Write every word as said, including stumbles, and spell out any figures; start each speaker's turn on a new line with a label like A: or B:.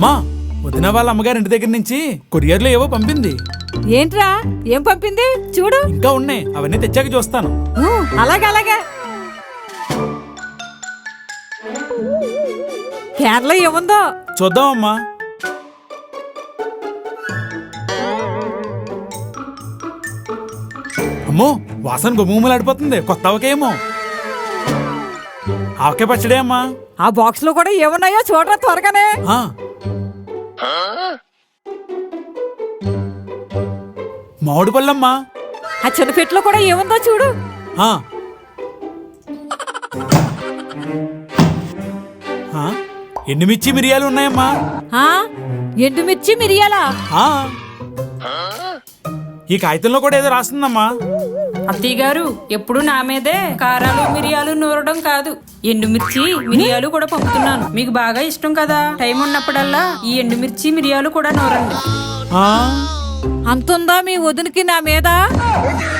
A: అమ్మా, వదిన వాళ్ళ అమ్మగారి ఇంటి దగ్గర నుంచి కొరియర్లో ఏవో పంపింది.
B: ఏంట్రా ఏం పంపింది చూడు.
A: ఇంకా ఉన్నాయి, అవన్నీ తెచ్చాక చూస్తాను.
B: ఊ, అలాగే అలాగే. కేరళ ఏముందో
A: చూద్దామమ్మా. అమ్మో, వాసన గుమ్ములాడిపోతుంది. కొత్త ఆవకేమో. ఆవకాయ పచ్చడే అమ్మా.
B: ఆ బాక్స్ లో కూడా ఏమున్నాయో చూడరా త్వరగానే.
A: ఆ. మామిడి పళ్ళమ్మా.
B: ఆ చిన్న పెట్టులో కూడా ఏముందో చూడు.
A: ఆ. ఆ, ఎండుమిర్చి మిరియాలు ఉన్నాయమ్మా.
B: ఆ ఎండుమిర్చి మిరియాలా?
A: ఆ, ఈ కాగితంలో కూడా ఏదో రాస్తుందమ్మా.
C: అత్తయ్య గారు ఎప్పుడు నా మీదే కారాలు మిరియాలు నూరడం కాదు, ఎండుమిర్చి మిరియాలు కూడా పంపుతున్నాను. మీకు బాగా ఇష్టం కదా, టైం ఉన్నప్పుడల్లా ఈ ఎండుమిర్చి మిరియాలు కూడా నూరండి.
B: అంతుందా మీ వదినికి నా మీద?